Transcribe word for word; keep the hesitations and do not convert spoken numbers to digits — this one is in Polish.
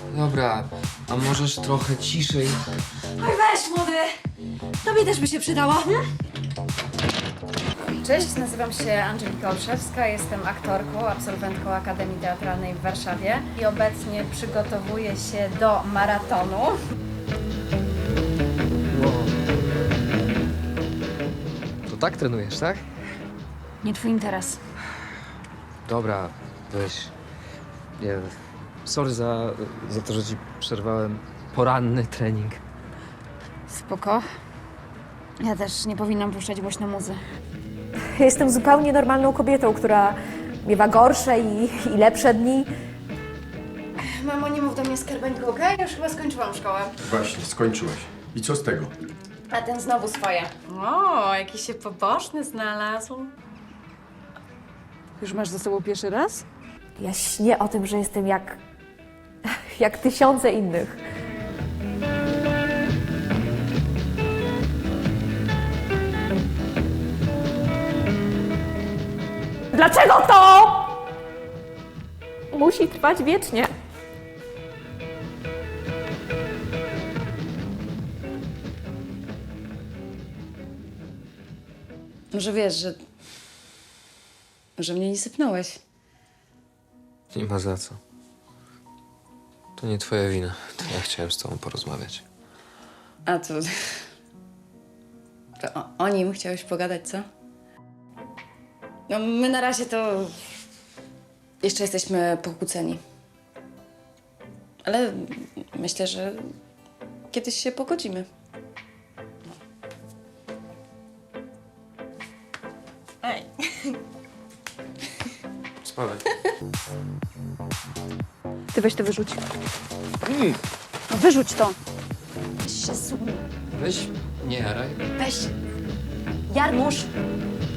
Dobra, a możesz trochę ciszej? Oj, weź, młody! Tobie też by się przydało. Hmm? Cześć, nazywam się Angelika Olszewska, jestem aktorką, absolwentką Akademii Teatralnej w Warszawie i obecnie przygotowuję się do maratonu. To tak trenujesz, tak? Nie twój interes. Dobra, weź. Nie, sorry za, za to, że ci przerwałem poranny trening. Spoko. Ja też nie powinnam puszczać głośno muzy. Jestem zupełnie normalną kobietą, która miewa gorsze i, i lepsze dni. Mamo, nie mów do mnie skarbeńko, okej? Ja już chyba skończyłam szkołę. Właśnie, skończyłaś. I co z tego? A ten znowu swoje. O, jakiś się pobożny znalazł. Już masz ze sobą pierwszy raz? Ja śnię o tym, że jestem jak, jak tysiące innych. Dlaczego to musi trwać wiecznie? Może wiesz, że... że mnie nie sypnąłeś. Nie ma za co. To nie twoja wina. To ja chciałem z tobą porozmawiać. A to... To o, o nim chciałeś pogadać, co? No, my na razie to... jeszcze jesteśmy pokłóceni. Ale myślę, że kiedyś się pogodzimy. Ej. Spadaj. Ty weź to wyrzuć. No wyrzuć to. Weź się zsuń. Weź, nie jaraj. Weź. Jarmusz.